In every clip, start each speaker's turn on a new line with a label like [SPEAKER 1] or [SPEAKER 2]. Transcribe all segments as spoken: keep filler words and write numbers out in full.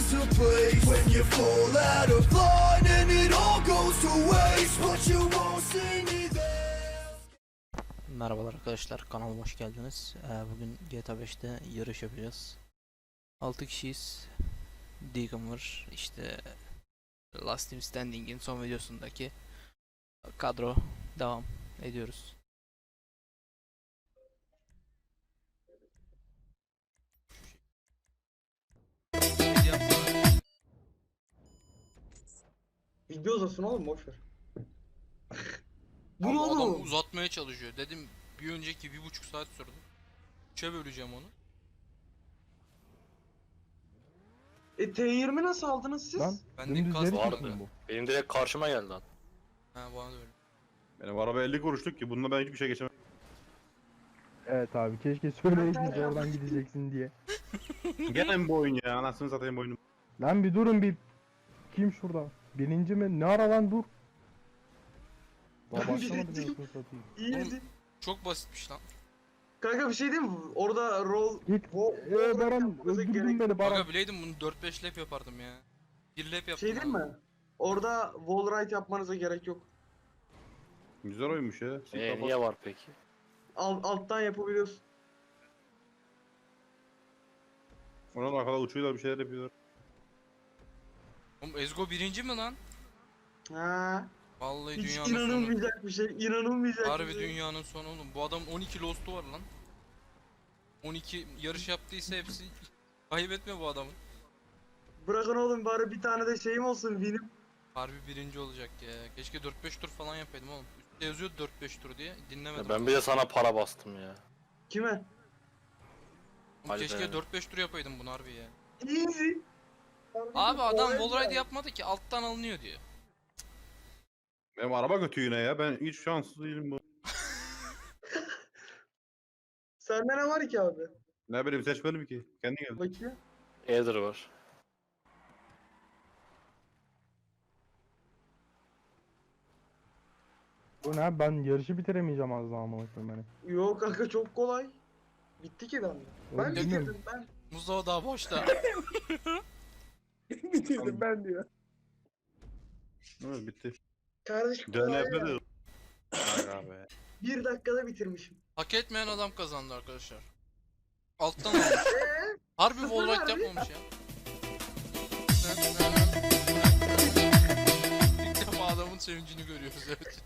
[SPEAKER 1] lose the place when you fall out of line and it all goes to waste, but you won't see me there.
[SPEAKER 2] Merhabalar arkadaşlar, kanalıma hoş geldiniz. Ee, bugün G T A beşte yarış yapacağız. altı kişiyiz. Deacon var. İşte Last Team Standing'in son videosundaki kadro devam ediyoruz.
[SPEAKER 3] Video uzasın oğlum, boşver. Bu ne
[SPEAKER 2] Ama adam
[SPEAKER 3] oğlum?
[SPEAKER 2] uzatmaya çalışıyor. Dedim bir önceki bir buçuk saat sürdü. Üçe böleceğim onu.
[SPEAKER 3] E T yirmi nasıl aldınız siz?
[SPEAKER 4] Lan
[SPEAKER 2] Ben de
[SPEAKER 4] dümdüz
[SPEAKER 2] kas
[SPEAKER 4] yarış
[SPEAKER 2] vardı.
[SPEAKER 4] yapayım bu.
[SPEAKER 5] Benim direkt karşıma geldi lan.
[SPEAKER 2] Ha bana da öyle.
[SPEAKER 6] Benim araba elli kuruşluk ki bununla ben hiçbir şey geçemem.
[SPEAKER 4] Evet abi keşke söyleydiniz oradan gideceksin diye.
[SPEAKER 6] Gene mi bu oyun ya? Anasını satayım bu oyunu.
[SPEAKER 4] Lan bir durun bir. Kim şurada? Birinci mi? Ne ara lan dur. Daha
[SPEAKER 3] Ben
[SPEAKER 4] başlamadım
[SPEAKER 3] birinciyim.
[SPEAKER 4] ya satayım.
[SPEAKER 3] İyiydi.
[SPEAKER 2] Çok basitmiş lan.
[SPEAKER 3] Kanka bir şey diyeyim mi? Orada roll...
[SPEAKER 4] Git.
[SPEAKER 3] Wo-
[SPEAKER 4] Eee
[SPEAKER 3] wo-
[SPEAKER 4] Baran
[SPEAKER 3] yapmanıza
[SPEAKER 4] öldürdün
[SPEAKER 3] gerek-
[SPEAKER 4] beni Baran.
[SPEAKER 2] Aga bileydim bunu dört beş lap yapardım ya. bir lap yaptım.
[SPEAKER 3] Şey diyeyim
[SPEAKER 2] abi.
[SPEAKER 3] mi? Orada wall ride yapmanıza gerek yok.
[SPEAKER 6] Güzel oyunmuş ya.
[SPEAKER 5] Ee, niye var peki?
[SPEAKER 3] Alt, alttan yapabiliyorsun.
[SPEAKER 6] Ona da arkada uçuyorlar, bir şeyler yapıyorlar.
[SPEAKER 2] Oğlum Ezgo birinci mi lan?
[SPEAKER 3] Ha.
[SPEAKER 2] Vallahi
[SPEAKER 3] Hiç
[SPEAKER 2] dünyanın sonu.
[SPEAKER 3] inanılmayacak bir şey. İnanılmayacak bir
[SPEAKER 2] Harbi
[SPEAKER 3] şey.
[SPEAKER 2] dünyanın sonu oğlum. Bu adam on iki lost'u var lan. on iki yarış yaptıysa hepsi kaybetme bu adamın.
[SPEAKER 3] Bırakın oğlum, bari bir tane de şeyim olsun, benim.
[SPEAKER 2] Harbi birinci olacak ya. Keşke dört beş tur falan yapaydım oğlum. Üstte yazıyor dört beş tur diye. Dinlemedim.
[SPEAKER 5] Ya ben bir de sana para bastım ya.
[SPEAKER 3] Kime?
[SPEAKER 2] Oğlum
[SPEAKER 5] Hadi
[SPEAKER 2] keşke
[SPEAKER 5] be.
[SPEAKER 2] dört beş tur yapaydım bunu harbi ya.
[SPEAKER 3] Easy.
[SPEAKER 2] Abi adam wallride yapmadı ki alttan alınıyor diyor.
[SPEAKER 6] Benim araba kötü yine ya. Ben hiç şanssız değilim bu.
[SPEAKER 3] Sende ne var ki abi?
[SPEAKER 6] Ne bileyim seçmedim ki. Kendi geldi.
[SPEAKER 3] Bakayım.
[SPEAKER 5] Eder var.
[SPEAKER 4] Bu ne? Ben yarışı bitiremeyeceğim az daha amına koyayım beni.
[SPEAKER 3] Yok kanka, çok kolay. Bitti ki ben. Ben
[SPEAKER 4] Oğlum, bilmiyorum.
[SPEAKER 3] bitirdim ben.
[SPEAKER 2] Mustafa daha boşta.
[SPEAKER 3] bitirdim ben diyor.
[SPEAKER 6] Evet bitti.
[SPEAKER 3] Kardeşim
[SPEAKER 6] D N
[SPEAKER 3] kolay
[SPEAKER 6] F
[SPEAKER 3] ya.
[SPEAKER 6] de. Aga be.
[SPEAKER 3] Bir dakikada bitirmişim.
[SPEAKER 2] Hak etmeyen adam kazandı arkadaşlar. Alttan almış.
[SPEAKER 3] Eee?
[SPEAKER 2] Harbi
[SPEAKER 3] Sıfır
[SPEAKER 2] wallride
[SPEAKER 3] verdi.
[SPEAKER 2] yapmamış ya. İlk defa adamın sevincini görüyoruz evet.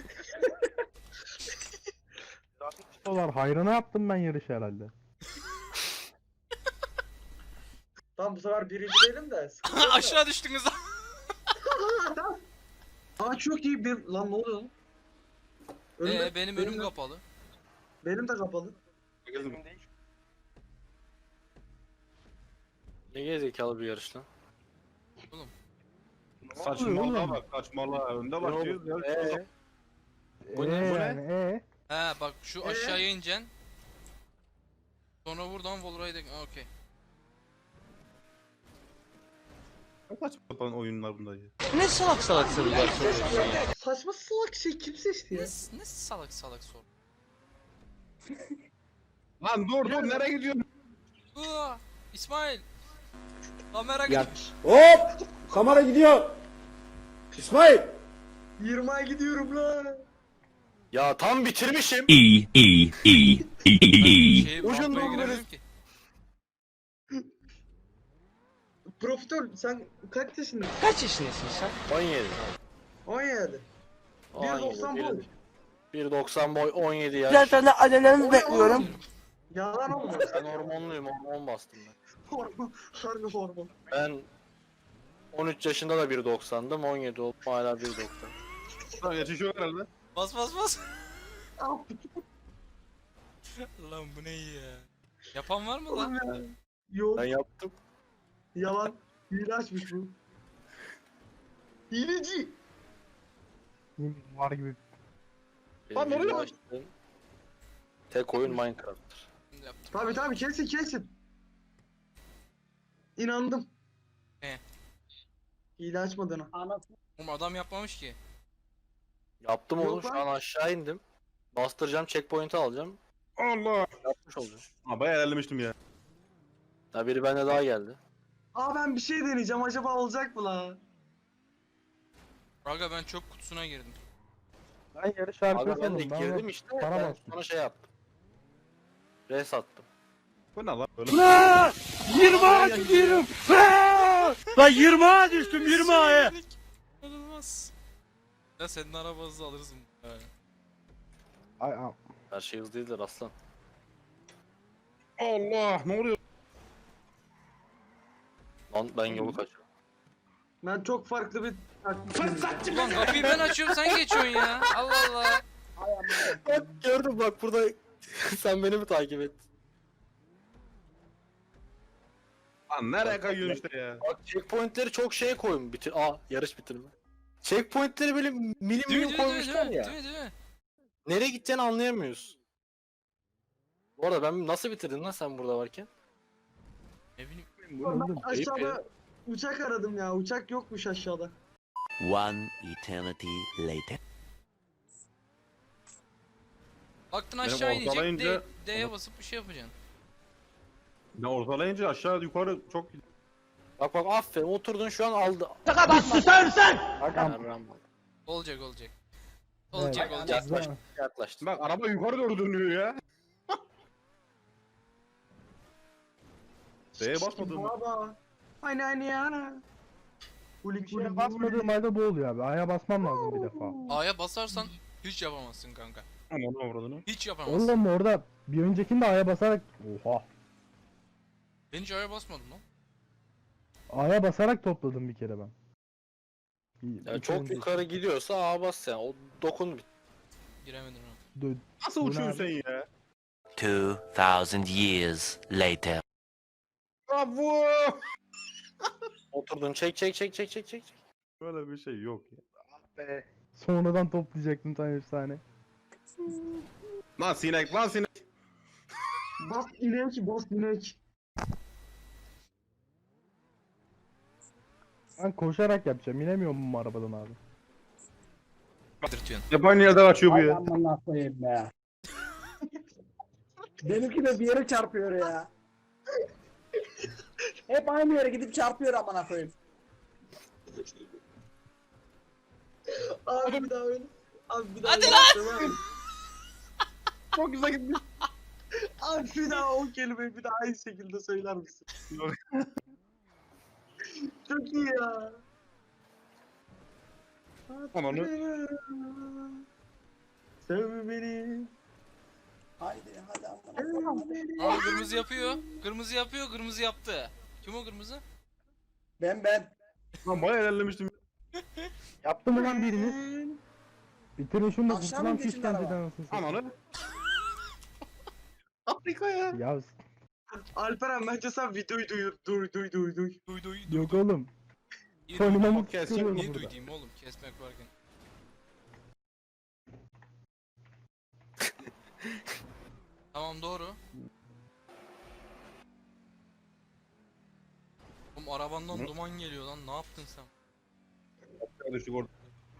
[SPEAKER 4] Dolar hayrına yaptım ben yarış herhalde.
[SPEAKER 3] Tamam, bu sefer birinci değilim de. sıkıntı yok da.
[SPEAKER 2] Aşağı düştünüz lan.
[SPEAKER 3] Aa çok iyi bir... Lan ne oluyor lan? Önümde-
[SPEAKER 2] Ee, benim önüm
[SPEAKER 3] de-
[SPEAKER 2] kapalı.
[SPEAKER 3] Benim de kapalı.
[SPEAKER 5] Ne gerizekalı bir yarış lan.
[SPEAKER 2] Oğlum.
[SPEAKER 6] Saçmalığa
[SPEAKER 4] oğlum?
[SPEAKER 6] bak, saçmalığa. Önde
[SPEAKER 5] Ne
[SPEAKER 6] başlıyoruz ya.
[SPEAKER 5] oğlum? Ee,
[SPEAKER 6] Bu ne,
[SPEAKER 4] Ee,
[SPEAKER 6] bu ne?
[SPEAKER 4] yani, ee?
[SPEAKER 2] He bak şu
[SPEAKER 3] Ee?
[SPEAKER 2] aşağıya ineceksin. Sonra buradan wallride'e... Aa, okey.
[SPEAKER 6] Ne saçma sapan oyunlar bunlar ya.
[SPEAKER 5] ne salak salak sorular soruyorsun ya.
[SPEAKER 3] Saçma salak şey kim seçti
[SPEAKER 2] Ne,
[SPEAKER 3] ya?
[SPEAKER 2] ne salak salak sor.
[SPEAKER 6] Lan dur dur, nereye gidiyorsun?
[SPEAKER 2] Aa, İsmail. Kamera gidiyor.
[SPEAKER 7] Hop! Kamera gidiyor. İsmail!
[SPEAKER 3] yirmiye gidiyorum lan.
[SPEAKER 5] Ya tam bitirmişim.
[SPEAKER 8] E E E E E.
[SPEAKER 2] Şey,
[SPEAKER 5] Ucundan
[SPEAKER 2] rampaya
[SPEAKER 5] böyle-
[SPEAKER 2] giremiyorum ki.
[SPEAKER 3] Profitör, sen kaç yaşındasın?
[SPEAKER 7] Kaç yaşındasın sen?
[SPEAKER 5] on yedi.
[SPEAKER 3] on yedi. bir doksan boy.
[SPEAKER 5] bir doksan boy, on yedi yaş.
[SPEAKER 7] Güzel tane adelerimi
[SPEAKER 3] O ne
[SPEAKER 7] bekliyorum.
[SPEAKER 3] oğlum? Yalan olmuyor.
[SPEAKER 5] Ben hormonluyum, hormon bastım ben.
[SPEAKER 3] Hormon. Harbi hormon.
[SPEAKER 5] Ben on üç yaşında da bir doksandım, on yedi oldum hala bir doksan.
[SPEAKER 6] Lan yetişiyor herhalde.
[SPEAKER 2] Bas bas bas.
[SPEAKER 3] Al.
[SPEAKER 2] Lan bu ne iyi ya. Yapan var mı
[SPEAKER 3] Oğlum
[SPEAKER 2] lan?
[SPEAKER 3] ya. Yok.
[SPEAKER 5] Ben yaptım.
[SPEAKER 3] Yalan. Hile açmış bu. Hileci.
[SPEAKER 4] Yemin var gibi.
[SPEAKER 5] Benim
[SPEAKER 6] Lan oraya
[SPEAKER 5] video
[SPEAKER 6] bak.
[SPEAKER 5] açtığım tek oyun Minecraft'tır.
[SPEAKER 2] Şimdi yaptım.
[SPEAKER 3] Tabi tabi, kesin kesin. İnandım.
[SPEAKER 2] He.
[SPEAKER 3] Hile açmadığına.
[SPEAKER 2] Oğlum adam yapmamış ki.
[SPEAKER 5] Yaptım
[SPEAKER 3] Yok
[SPEAKER 5] oğlum, şu
[SPEAKER 3] lan.
[SPEAKER 5] an aşağı indim. Bastıracağım, checkpoint'i alacağım.
[SPEAKER 6] Allah.
[SPEAKER 5] Yapmış olacağım.
[SPEAKER 6] Ha bayağı ilerlemiştim ya.
[SPEAKER 5] Daha biri bende daha geldi.
[SPEAKER 3] Aa ben bir şey deneyeceğim. Acaba olacak mı la?
[SPEAKER 2] Aga ben çöp kutusuna girdim.
[SPEAKER 4] Ben yarış arkaya
[SPEAKER 5] Abi ben de
[SPEAKER 4] saldım. Ben
[SPEAKER 5] girdim
[SPEAKER 4] de
[SPEAKER 5] işte.
[SPEAKER 4] para
[SPEAKER 5] Ben
[SPEAKER 4] bastım.
[SPEAKER 5] sana şey yaptım. Res attım.
[SPEAKER 6] Bu ne lan? Böyle
[SPEAKER 7] yirmi gidiyorum. Lan yirmiye düştüm yirmiye.
[SPEAKER 2] İnanılmaz. Ya senin araba hızlı alırsın. He.
[SPEAKER 4] Ay, ay.
[SPEAKER 5] Her şey hızlı değildir aslan.
[SPEAKER 6] Allah ne oluyor?
[SPEAKER 5] Lan ben yolu kaçıyorum.
[SPEAKER 3] Ben çok farklı bir taktik deneyeceğim.
[SPEAKER 2] Ulan kapıyı ben açıyorum sen geçiyorsun ya. Allah Allah.
[SPEAKER 5] Bak gördüm bak burada sen beni mi takip et?
[SPEAKER 6] Lan nereye kayıyorsun işte ya?
[SPEAKER 5] Bak checkpointleri çok şey koyun bitir. Aa yarış bitirme. Checkpointleri böyle milim
[SPEAKER 2] Değil mi
[SPEAKER 5] milim
[SPEAKER 2] değil mi değil mi?
[SPEAKER 5] koymuşlar
[SPEAKER 2] Değil
[SPEAKER 5] ya.
[SPEAKER 2] mi değil mi?
[SPEAKER 5] Nereye gideceğini anlayamıyoruz. Bu arada ben nasıl bitirdin lan sen burada varken?
[SPEAKER 2] Ne bileyim.
[SPEAKER 4] Bu ne oğlum?
[SPEAKER 3] Aşağıda uçak aradım ya. Uçak yokmuş aşağıda.
[SPEAKER 8] One eternity later.
[SPEAKER 2] Baktın
[SPEAKER 6] Benim
[SPEAKER 2] aşağı inecek
[SPEAKER 6] ortalayınca-
[SPEAKER 2] D- D'ye basıp bir şey yapacaksın.
[SPEAKER 6] Ne ortalayınca aşağı yukarı çok
[SPEAKER 5] Bak bak aferin oturdun şu an aldı.
[SPEAKER 7] Susar mısın?
[SPEAKER 5] Tamam.
[SPEAKER 2] Olacak olacak. Olacak
[SPEAKER 4] Evet.
[SPEAKER 2] olacak.
[SPEAKER 5] Yaklaştı yaklaştı.
[SPEAKER 6] Bak araba yukarı doğru dönüyor ya. D'ye basmadın mı?
[SPEAKER 3] Baba. Aynı aynı yana. Kulik
[SPEAKER 4] Şuraya basmadığım halde bu oluyor abi. Aya basmam lazım bir defa.
[SPEAKER 2] A'ya basarsan hiç yapamazsın kanka.
[SPEAKER 6] Aman avradını.
[SPEAKER 2] Hiç yapamazsın.
[SPEAKER 4] Oğlum orada bir öncekinde A'ya basarak... Oha.
[SPEAKER 2] Ben hiç A'ya basmadım lan.
[SPEAKER 4] A'ya basarak topladım bir kere ben. İyi,
[SPEAKER 5] Ya
[SPEAKER 4] iki
[SPEAKER 5] çok
[SPEAKER 4] önce-
[SPEAKER 5] yukarı gidiyorsa A bas yani. O dokun bit.
[SPEAKER 2] Giremedim ha.
[SPEAKER 4] Dö-
[SPEAKER 6] Nasıl
[SPEAKER 4] Bu ne
[SPEAKER 6] uçuyorsun
[SPEAKER 4] abi?
[SPEAKER 6] sen ya?
[SPEAKER 8] Two thousand years later.
[SPEAKER 6] Bravo!
[SPEAKER 5] Oturdun çek çek çek çek çek çek.
[SPEAKER 6] Böyle bir şey yok ya. Ah be.
[SPEAKER 4] Sonradan toplayacaktım tam efsane.
[SPEAKER 6] Lan sinek lan sinek.
[SPEAKER 3] Bas inek, bas inek.
[SPEAKER 4] Ben koşarak yapacağım. İnemiyorum bu arabadan abi.
[SPEAKER 2] Dırtıyorsun.
[SPEAKER 6] Hep aynı yerden açıyor bu
[SPEAKER 7] Ay
[SPEAKER 6] ya.
[SPEAKER 7] aman koyayım be. Benimki de bir yere çarpıyor ya. Hep aynı yere gidip çarpıyor amına koyayım.
[SPEAKER 3] Abi bir daha öyle. Abi bir daha
[SPEAKER 2] Hadi
[SPEAKER 3] öyle lan.
[SPEAKER 6] Çok güzel gitmiş.
[SPEAKER 3] Abi bir daha o kelimeyi bir daha aynı şekilde söyler misin? Çok iyi ya.
[SPEAKER 6] Ananı.
[SPEAKER 3] Sev beni.
[SPEAKER 7] Haydi hadi amına
[SPEAKER 3] Sev
[SPEAKER 7] koyayım.
[SPEAKER 3] beni.
[SPEAKER 2] Aa kırmızı yapıyor. Kırmızı yapıyor. Kırmızı yaptı. Kim o kırmızı?
[SPEAKER 7] Ben ben.
[SPEAKER 6] Lan bayağı ilerlemiştim.
[SPEAKER 4] Yaptı mı lan biriniz? Bitirin şunu da
[SPEAKER 7] Aşağı
[SPEAKER 4] kurtulan
[SPEAKER 7] mı geçin
[SPEAKER 4] piş kendiden
[SPEAKER 7] araba?
[SPEAKER 4] anasını satayım.
[SPEAKER 6] Ananı. Afrika ya.
[SPEAKER 4] Ya
[SPEAKER 3] Alperen bence sen videoyu duy duy duy duy duy.
[SPEAKER 2] Duy duy duy.
[SPEAKER 4] yok oğlum.
[SPEAKER 2] Niye
[SPEAKER 4] Sonuna
[SPEAKER 2] duydum?
[SPEAKER 4] mı
[SPEAKER 6] Kes,
[SPEAKER 4] çıkıyorum
[SPEAKER 2] Niye
[SPEAKER 4] burada?
[SPEAKER 2] duydum oğlum? Kesmek varken. Tamam doğru. Oğlum arabandan
[SPEAKER 6] Hı?
[SPEAKER 2] duman geliyor lan. Ne yaptın sen?
[SPEAKER 6] Düştük orada.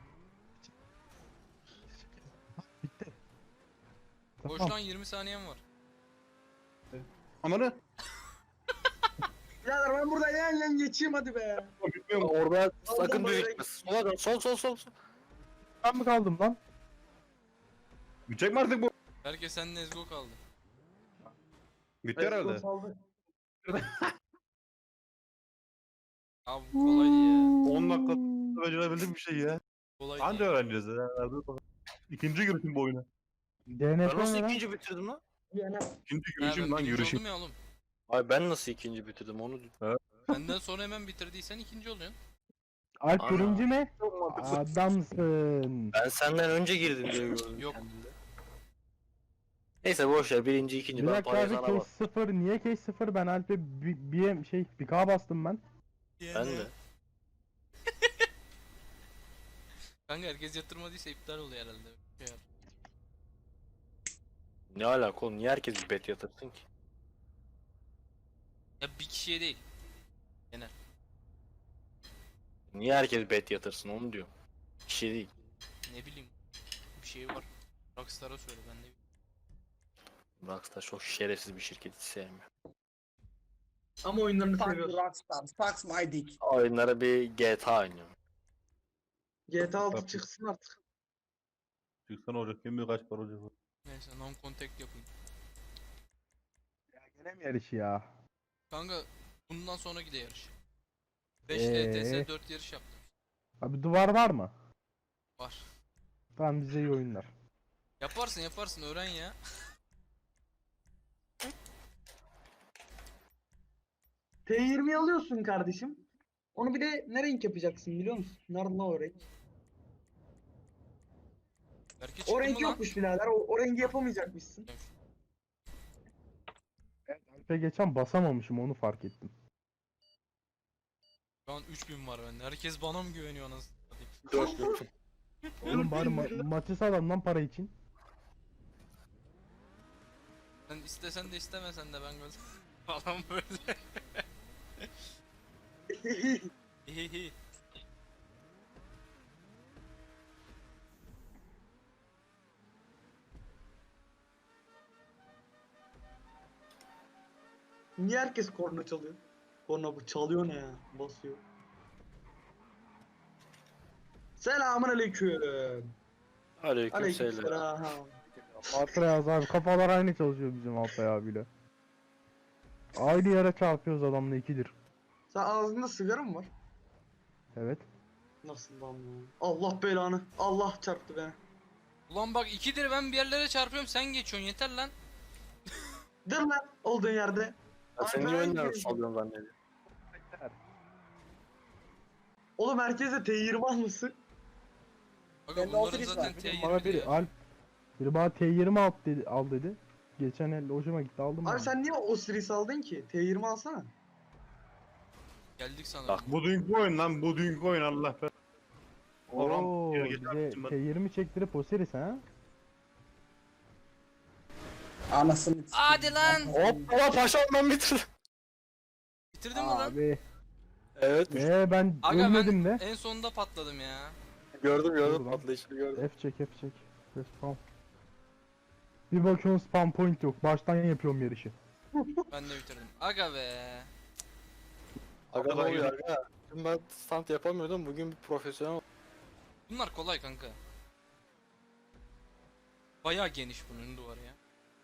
[SPEAKER 4] Bitti.
[SPEAKER 2] Boş
[SPEAKER 4] Tamam.
[SPEAKER 2] lan yirmi saniyen var.
[SPEAKER 6] Ananı.
[SPEAKER 3] Birader ben burada yan yan geçeyim hadi be.
[SPEAKER 6] Bitmiyor mu?
[SPEAKER 5] Orada sakın
[SPEAKER 3] Aldım
[SPEAKER 5] düz
[SPEAKER 3] böyle.
[SPEAKER 5] gitme. Sola dön. Sol sol sol. sol.
[SPEAKER 4] Ben mi kaldım lan?
[SPEAKER 6] Bitecek mi artık bu?
[SPEAKER 2] Belki senin Ezgo kaldı.
[SPEAKER 6] Bitti herhalde.
[SPEAKER 3] Saldı.
[SPEAKER 2] Abi bu kolaydı ya.
[SPEAKER 6] on dakika becerebildim bir şey ya.
[SPEAKER 2] Kolaydı
[SPEAKER 6] Anca
[SPEAKER 2] ya.
[SPEAKER 6] öğreneceğiz ya. İkinci girişim bu oyuna.
[SPEAKER 4] D N
[SPEAKER 5] Ben
[SPEAKER 4] F
[SPEAKER 5] nasıl
[SPEAKER 4] ne lan?
[SPEAKER 5] ikinci bitirdim lan?
[SPEAKER 3] Yani
[SPEAKER 6] İkinci
[SPEAKER 2] Ha,
[SPEAKER 6] girişim
[SPEAKER 2] ben
[SPEAKER 6] lan
[SPEAKER 2] birinci
[SPEAKER 6] yürüyüşüm.
[SPEAKER 2] oldum ya oğlum.
[SPEAKER 5] Ay ben nasıl ikinci bitirdim onu
[SPEAKER 2] Benden sonra hemen bitirdiysen ikinci oluyorsun.
[SPEAKER 4] Alp
[SPEAKER 5] Ana.
[SPEAKER 4] birinci mi?
[SPEAKER 5] Çok mantıklı.
[SPEAKER 4] Adamsın.
[SPEAKER 5] Ben senden önce girdim diye gördüm.
[SPEAKER 2] Yok.
[SPEAKER 5] kendimde. Neyse boş ver birinci ikinci
[SPEAKER 4] Bir
[SPEAKER 5] ben
[SPEAKER 4] dakika
[SPEAKER 5] parayı
[SPEAKER 4] abi
[SPEAKER 5] sana
[SPEAKER 4] case
[SPEAKER 5] bas.
[SPEAKER 4] sıfır. Niye case sıfır? Ben Alp'e bir, bir şey bir K bastım ben.
[SPEAKER 5] Ben de.
[SPEAKER 2] Kanka herkes yatırmadıysa iptal oluyor herhalde. Şey yap.
[SPEAKER 5] Ne alaka oğlum niye herkes bir bet yatırsın ki?
[SPEAKER 2] Ya bir kişiye değil.
[SPEAKER 5] Niye herkes bet yatırsın onu diyorum. Bir şey değil.
[SPEAKER 2] Ne bileyim. Bir şey var. Rockstar'a söyle ben de.
[SPEAKER 5] Rockstar çok şerefsiz bir şirket hiç sevmiyorum.
[SPEAKER 3] Ama oyunlarını
[SPEAKER 7] Fuck
[SPEAKER 3] seviyorsun.
[SPEAKER 7] Rockstar. Fuck my dick.
[SPEAKER 5] Oyunlara bir G T A oynuyorum.
[SPEAKER 3] G T A altı
[SPEAKER 6] Tabii.
[SPEAKER 3] çıksın artık.
[SPEAKER 6] Çıksan olacak. Kim bilir kaç para olacak.
[SPEAKER 2] Neyse non contact yapayım.
[SPEAKER 4] Gene mi yarışı ya?
[SPEAKER 2] Kanka bundan sonra gidiyor yarış. beş
[SPEAKER 4] Ee?
[SPEAKER 2] E T S dört yarış yaptım.
[SPEAKER 4] Abi duvar var mı?
[SPEAKER 2] Var.
[SPEAKER 4] Tamam bize iyi oyunlar.
[SPEAKER 2] Yaparsın yaparsın öğren ya.
[SPEAKER 3] T yirmi alıyorsun kardeşim. Onu bir de ne renk yapacaksın biliyor musun? Nerede lan o renk?
[SPEAKER 2] Belki çıktı
[SPEAKER 3] O renk
[SPEAKER 2] mı lan?
[SPEAKER 3] yokmuş birader. O, o rengi yapamayacakmışsın.
[SPEAKER 4] Alp'e geçen basamamışım onu fark ettim.
[SPEAKER 2] Şu an üç bin var bende. Herkes bana mı güveniyor anasını satayım?
[SPEAKER 5] dört dört.
[SPEAKER 4] Oğlum bari ma- maçı sağlam lan para için.
[SPEAKER 2] Sen istesen de istemesen de ben böyle falan böyle. Hihihi.
[SPEAKER 3] Niye herkes korna çalıyor? Korna bu çalıyor ne ya? Basıyor. Selamun aleyküm.
[SPEAKER 5] Aleyküm
[SPEAKER 3] Aleyküm
[SPEAKER 5] selam.
[SPEAKER 3] selam.
[SPEAKER 4] Alp'e yaz abi kafalar aynı çalışıyor bizim Alpay abiyle. Aynı yere çarpıyoruz adamla ikidir.
[SPEAKER 3] Sen ağzında sigara mı var?
[SPEAKER 4] Evet.
[SPEAKER 3] Nasıl lan bu? Allah belanı. Allah çarptı beni.
[SPEAKER 2] Ulan bak ikidir ben bir yerlere çarpıyorum sen geçiyorsun yeter lan.
[SPEAKER 3] Dur lan olduğun yerde.
[SPEAKER 5] Ya sen
[SPEAKER 3] Ay,
[SPEAKER 5] niye
[SPEAKER 3] ben
[SPEAKER 5] oyunları
[SPEAKER 3] girdim.
[SPEAKER 5] salıyorsun zannediyorsun?
[SPEAKER 3] Oğlum herkese T yirmi almışsın.
[SPEAKER 2] Bakın
[SPEAKER 7] Bende
[SPEAKER 2] bunların
[SPEAKER 7] otobüs
[SPEAKER 2] zaten
[SPEAKER 7] var.
[SPEAKER 2] T
[SPEAKER 4] Bana
[SPEAKER 2] yirmi
[SPEAKER 4] biri
[SPEAKER 2] ya.
[SPEAKER 4] Alp biri bana T yirmi al dedi, al dedi. Geçen el hoşuma gitti aldım.
[SPEAKER 3] Abi
[SPEAKER 4] ben.
[SPEAKER 3] sen niye o series aldın ki? T yirmi alsana.
[SPEAKER 2] Geldik sana.
[SPEAKER 5] Bak,
[SPEAKER 6] Bu dünkü oyun lan. Bu dünkü oyun Allah be. Oğlum,
[SPEAKER 4] Oo,
[SPEAKER 6] geri
[SPEAKER 4] bize
[SPEAKER 6] geçersin ben.
[SPEAKER 4] T yirmi çektirip o seris ha?
[SPEAKER 7] Anasını
[SPEAKER 2] Hadi lan.
[SPEAKER 5] Hop hop paşam ben bitirdim.
[SPEAKER 2] Bitirdin mi lan?
[SPEAKER 4] Abi.
[SPEAKER 5] Evet
[SPEAKER 4] Ee ben
[SPEAKER 2] Aga
[SPEAKER 4] ölmedim
[SPEAKER 2] ben
[SPEAKER 4] de.
[SPEAKER 2] en sonunda patladım ya.
[SPEAKER 5] gördüm gördüm
[SPEAKER 4] Dur lan.
[SPEAKER 5] patlayışını gördüm.
[SPEAKER 4] F çek F çek. F spam. Bir bakıyorsun spam point yok. Baştan yapıyorum yarışı.
[SPEAKER 2] Ben de bitirdim. Aga be.
[SPEAKER 5] Aga ne
[SPEAKER 6] Aga,
[SPEAKER 5] oluyor
[SPEAKER 6] yürü.
[SPEAKER 5] aga? Dün ben stand yapamıyordum bugün bir profesyonel.
[SPEAKER 2] Bunlar kolay kanka. Bayağı geniş bunun duvarı ya.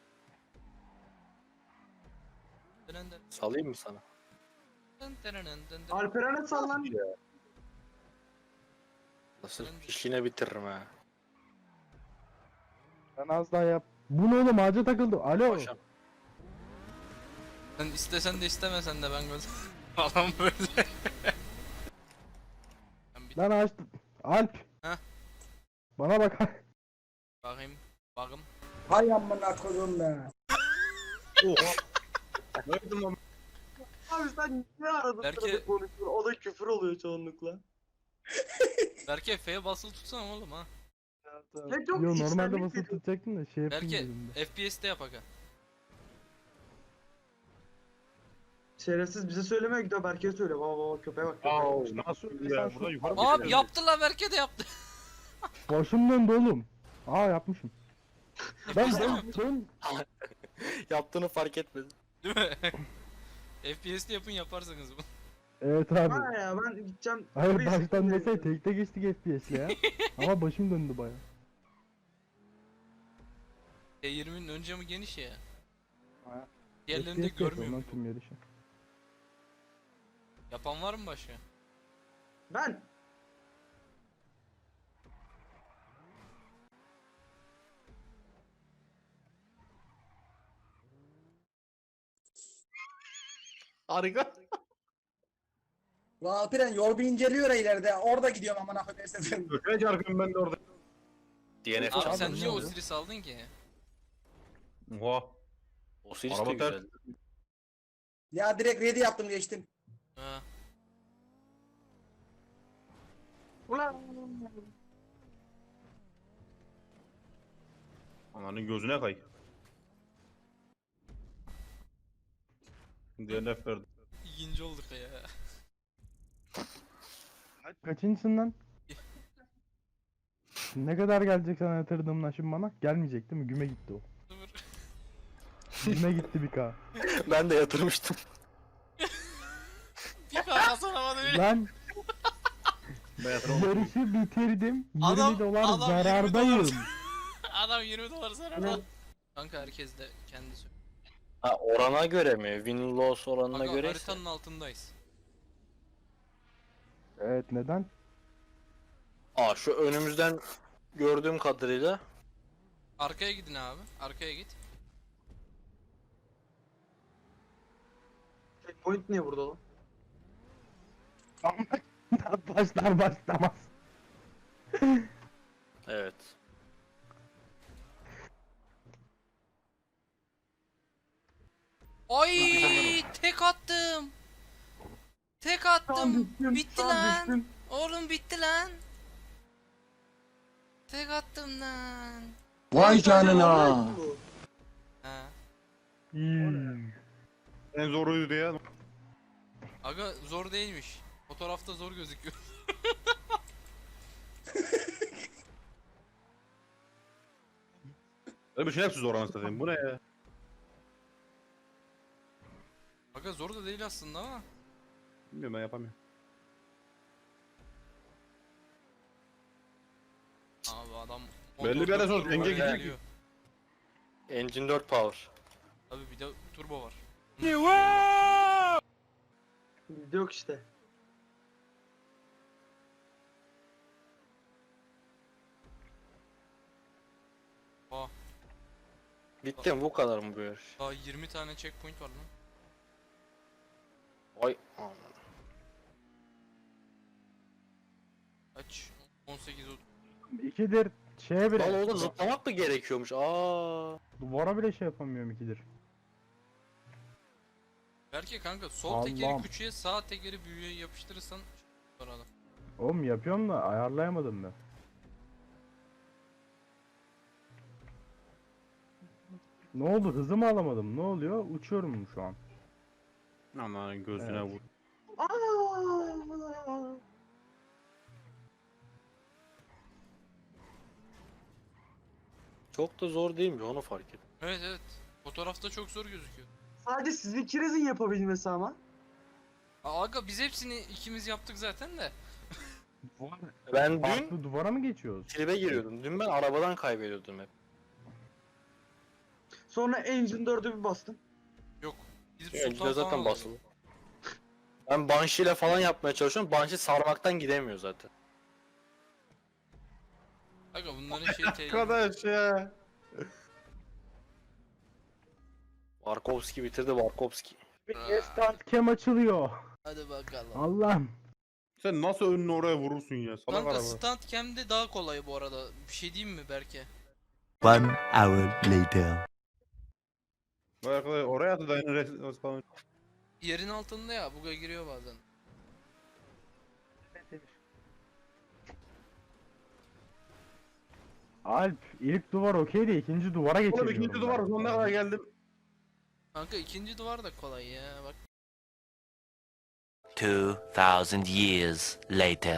[SPEAKER 2] Dın dın
[SPEAKER 5] Salayım mı sana?
[SPEAKER 2] dın dın dın dın dın.
[SPEAKER 3] Alperen'e sal lan.
[SPEAKER 5] Nasıl işine bitiririm ha.
[SPEAKER 4] Ben az daha yap. Bu ne oğlum ağaca takıldı. Alo.
[SPEAKER 5] Paşam.
[SPEAKER 2] Sen istesen de istemesen de ben böyle falan böyle. Ben bir
[SPEAKER 4] Lan ağaç. Alp.
[SPEAKER 2] Heh.
[SPEAKER 4] Bana bak.
[SPEAKER 2] bakayım. Bakım.
[SPEAKER 7] Hay amına koyduğum be.
[SPEAKER 6] Oha. Ne yaptın lan?
[SPEAKER 3] Abi sen ne aradın
[SPEAKER 2] Belki-
[SPEAKER 3] sırada konuşuyorsun? O da küfür oluyor çoğunlukla.
[SPEAKER 2] Berke F'ye basılı tutsana oğlum ha.
[SPEAKER 3] Ne çok
[SPEAKER 4] Yo normalde
[SPEAKER 3] içtenlik
[SPEAKER 4] basıp
[SPEAKER 3] geliyor.
[SPEAKER 4] tutacaktım da şey yapayım
[SPEAKER 2] Berke
[SPEAKER 4] dedim de.
[SPEAKER 2] F P S'te yap aga.
[SPEAKER 3] Şerefsiz bize söylemiyor gidiyor Berke'ye söyle. Baba baba köpeğe bak. köpeğe
[SPEAKER 6] Aa,
[SPEAKER 3] bak.
[SPEAKER 6] nasıl ya? Burada yukarı mı
[SPEAKER 2] Abi
[SPEAKER 6] gidiyor?
[SPEAKER 2] yaptı la Berke de yaptı.
[SPEAKER 4] Başım döndü oğlum. Aa yapmışım. Ben
[SPEAKER 2] Biz de mi
[SPEAKER 4] ben,
[SPEAKER 2] yaptık?
[SPEAKER 4] ben
[SPEAKER 5] Yaptığını fark etmedim.
[SPEAKER 2] Değil mi? F P S'te yapın yaparsanız bunu.
[SPEAKER 4] Evet abi.
[SPEAKER 3] Ha ya ben gideceğim.
[SPEAKER 4] Hayır
[SPEAKER 3] Burayı
[SPEAKER 4] baştan
[SPEAKER 3] sıkıntı
[SPEAKER 4] desey
[SPEAKER 3] değil.
[SPEAKER 4] tekte geçtik F P S'le ya. Ama başım döndü baya.
[SPEAKER 2] T yirminin ön camı geniş ya.
[SPEAKER 4] Ha.
[SPEAKER 2] Diğerlerini de
[SPEAKER 4] F P S yapıyorum
[SPEAKER 2] görmüyor
[SPEAKER 4] lan
[SPEAKER 2] mu?
[SPEAKER 4] tüm yarışı.
[SPEAKER 2] Yapan var mı başka?
[SPEAKER 3] Ben
[SPEAKER 6] Harika.
[SPEAKER 7] Ulan Alperen yol bir inceliyor ya ileride. Orada gidiyorum amına koyayım esnafım.
[SPEAKER 6] Köşeye çarpıyorum ben de orada.
[SPEAKER 5] D N F
[SPEAKER 2] Abi
[SPEAKER 5] çaldın
[SPEAKER 2] sen
[SPEAKER 5] mı?
[SPEAKER 2] niye Osiris aldın ki?
[SPEAKER 6] Oha.
[SPEAKER 5] O series
[SPEAKER 6] Araba
[SPEAKER 5] de
[SPEAKER 6] ters.
[SPEAKER 5] güzel.
[SPEAKER 7] Ya direkt ready yaptım geçtim.
[SPEAKER 2] Ha.
[SPEAKER 3] ulan
[SPEAKER 6] Ananın gözüne kay. D N F verdi.
[SPEAKER 2] İkinci olduk ya.
[SPEAKER 4] Kaçıncısın lan? Ne kadar gelecek sana yatırdığımla şimdi bana? Gelmeyecek değil mi? Güme gitti o.
[SPEAKER 2] Sıfır.
[SPEAKER 4] Güme gitti bir K.
[SPEAKER 5] Ben de yatırmıştım.
[SPEAKER 2] kazanamadı bile.
[SPEAKER 4] Lan
[SPEAKER 6] Ben yatırım.
[SPEAKER 4] yarışı bitirdim. yirmi
[SPEAKER 2] Adam-
[SPEAKER 4] dolar
[SPEAKER 2] adam yirmi
[SPEAKER 4] zarardayım.
[SPEAKER 2] dolar. Adam yirmi dolar zarar. Kanka herkes de kendi söylüyor.
[SPEAKER 5] Ha orana göre mi? Win loss oranına
[SPEAKER 2] Aga
[SPEAKER 5] göre
[SPEAKER 2] haritanın altındayız.
[SPEAKER 4] Evet, neden?
[SPEAKER 5] Aa şu önümüzden gördüğüm kadarıyla
[SPEAKER 2] Arkaya gidin abi. Arkaya git.
[SPEAKER 3] Checkpoint niye burada lan?
[SPEAKER 4] Başlar başlamaz.
[SPEAKER 5] evet.
[SPEAKER 2] Ay tek attım. Tek attım.
[SPEAKER 3] düştüm,
[SPEAKER 2] Bitti
[SPEAKER 3] şu an
[SPEAKER 2] lan.
[SPEAKER 3] düştüm.
[SPEAKER 2] Oğlum bitti lan. Tek attım lan.
[SPEAKER 1] Vay canına.
[SPEAKER 3] Bu.
[SPEAKER 2] Ha.
[SPEAKER 4] Hmm.
[SPEAKER 6] En zoruydu ya.
[SPEAKER 2] Aga zor değilmiş. Fotoğrafta zor gözüküyor.
[SPEAKER 6] Öyle bir şey hepsi zor anasını satayım. Bu ne ya?
[SPEAKER 2] Aga zor da değil aslında ama.
[SPEAKER 6] Bilmiyorum, ben yapamıyorum.
[SPEAKER 2] Abi adam
[SPEAKER 6] Belli bir yere sonra
[SPEAKER 2] motorda
[SPEAKER 6] denge
[SPEAKER 2] turbo
[SPEAKER 6] gidiyor
[SPEAKER 2] geliyor.
[SPEAKER 5] Engine dört power.
[SPEAKER 2] Abi bir de turbo var.
[SPEAKER 3] Bizde yok işte.
[SPEAKER 2] Aa,
[SPEAKER 5] Bitti mi bu kadar mı bu yarış?
[SPEAKER 2] daha yirmi tane checkpoint var lan.
[SPEAKER 5] Vay aman.
[SPEAKER 2] Kaç? on sekiz otuz.
[SPEAKER 4] İkidir şeye
[SPEAKER 5] Lan
[SPEAKER 4] bile.
[SPEAKER 5] orada zıplamak mı gerekiyormuş? Aa.
[SPEAKER 4] Duvara bile şey yapamıyorum ikidir.
[SPEAKER 2] Belki kanka sol tekeri
[SPEAKER 4] Allah'ım.
[SPEAKER 2] küçüğe sağ tekeri büyüğe yapıştırırsan sonra.
[SPEAKER 4] Oğlum yapıyorum da ayarlayamadım ben. Ne oldu? Hızımı alamadım. Ne oluyor? Uçuyorum şu an.
[SPEAKER 6] Aman gözüne
[SPEAKER 4] Evet.
[SPEAKER 6] vur.
[SPEAKER 3] Aa!
[SPEAKER 5] Çok da zor değil mi? Onu fark ettim.
[SPEAKER 2] Evet evet. Fotoğrafta çok zor gözüküyor.
[SPEAKER 3] Sadece siz ikinizin yapabilmesi ama.
[SPEAKER 2] Aa, aga biz hepsini ikimiz yaptık zaten de.
[SPEAKER 5] Ben dün
[SPEAKER 4] Farklı duvara mı geçiyoruz?
[SPEAKER 5] tribe giriyordum. Dün ben arabadan kaybediyordum hep.
[SPEAKER 3] Sonra Engine dördü bir bastım.
[SPEAKER 2] Yok. Gidip
[SPEAKER 5] Engine
[SPEAKER 2] Sultan
[SPEAKER 5] zaten
[SPEAKER 2] falan
[SPEAKER 5] basılı.
[SPEAKER 2] alıyorduk.
[SPEAKER 5] Ben Banshee ile falan yapmaya çalışıyorum. Banshee sarmaktan gidemiyor zaten.
[SPEAKER 2] Aga bunların şeyi tehlikeli.
[SPEAKER 6] Arkadaş ya.
[SPEAKER 5] Warkowski bitirdi Warkowski.
[SPEAKER 4] Bir stand cam açılıyor.
[SPEAKER 2] Hadi bakalım.
[SPEAKER 4] Allah'ım.
[SPEAKER 6] Sen nasıl önünü oraya vurursun ya? Salak
[SPEAKER 2] Kanka
[SPEAKER 6] araba.
[SPEAKER 2] stand cam'de daha kolay bu arada. Bir şey diyeyim mi Berke?
[SPEAKER 8] One hour later.
[SPEAKER 6] Vay arkadaş oraya atı da yine res- falan.
[SPEAKER 2] Yerin altında ya buga giriyor bazen.
[SPEAKER 4] Alp ilk duvar okey de ikinci duvara
[SPEAKER 6] Oğlum
[SPEAKER 4] geçemiyorum.
[SPEAKER 6] ikinci duvar
[SPEAKER 4] ben.
[SPEAKER 6] sonuna kadar geldim.
[SPEAKER 2] Kanka ikinci duvar da kolay ya bak.
[SPEAKER 8] Two thousand years later.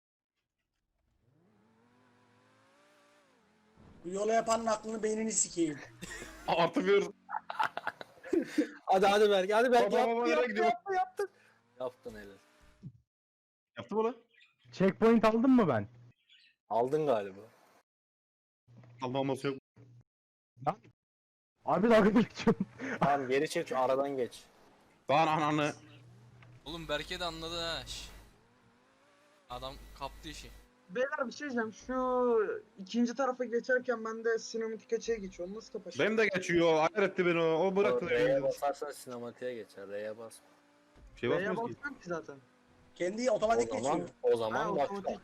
[SPEAKER 7] Bu yolu yapanın aklını beynini sikeyim.
[SPEAKER 6] Artı bir.
[SPEAKER 5] Hadi hadi Berk, hadi Berk
[SPEAKER 6] Baba,
[SPEAKER 5] yaptı,
[SPEAKER 6] baba, nereye
[SPEAKER 5] yaptı,
[SPEAKER 6] gidiyor?
[SPEAKER 5] yaptı, yaptı. Yaptın helal.
[SPEAKER 6] Yaptı mı lan?
[SPEAKER 4] Checkpoint aldım mı ben?
[SPEAKER 5] Aldın galiba.
[SPEAKER 6] Almaması yok.
[SPEAKER 4] Abi dalga geçiyorum.
[SPEAKER 5] Tamam geri çek şu aradan geç.
[SPEAKER 6] Lan ananı.
[SPEAKER 2] Oğlum Berke de anladı ha. şş. Adam kaptı işi.
[SPEAKER 3] Beyler bir şey diyeceğim. Şu ikinci tarafa geçerken ben de sinematik açıya geçiyorum. Nasıl kapatacağım?
[SPEAKER 6] Benim de geçiyor. Ayar etti beni o. O bıraktı.
[SPEAKER 5] R'ye basarsan sinematiğe geçer. R'ye bas.
[SPEAKER 6] Bir şey
[SPEAKER 3] B'ye
[SPEAKER 6] basmıyoruz ki.
[SPEAKER 3] basmıyorum ki zaten.
[SPEAKER 7] Kendi
[SPEAKER 5] O
[SPEAKER 7] otomatik
[SPEAKER 5] zaman,
[SPEAKER 7] geçiyor.
[SPEAKER 5] o
[SPEAKER 3] Ha,
[SPEAKER 5] zaman bak.
[SPEAKER 3] otomatik.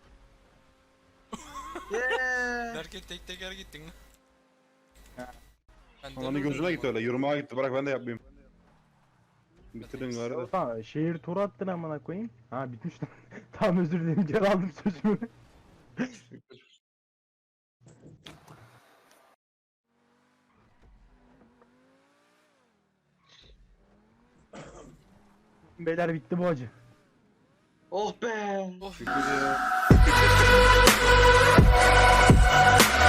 [SPEAKER 3] Yeee.
[SPEAKER 2] Berke tek teker gittin lan. Ben
[SPEAKER 6] Ananı
[SPEAKER 2] dönürdüm
[SPEAKER 6] gözüme gitti
[SPEAKER 2] ama.
[SPEAKER 6] öyle. Yürümeye gitti. Bırak ben de yapmayayım. Bitirdin gari de.
[SPEAKER 4] Tamam şehir turu attın amına koyayım. Ha bitmiş lan. Tamam özür dilerim geri aldım sözümü. Beyler bitti bu acı.
[SPEAKER 3] Oh be.
[SPEAKER 2] Of.
[SPEAKER 6] Şükür ya.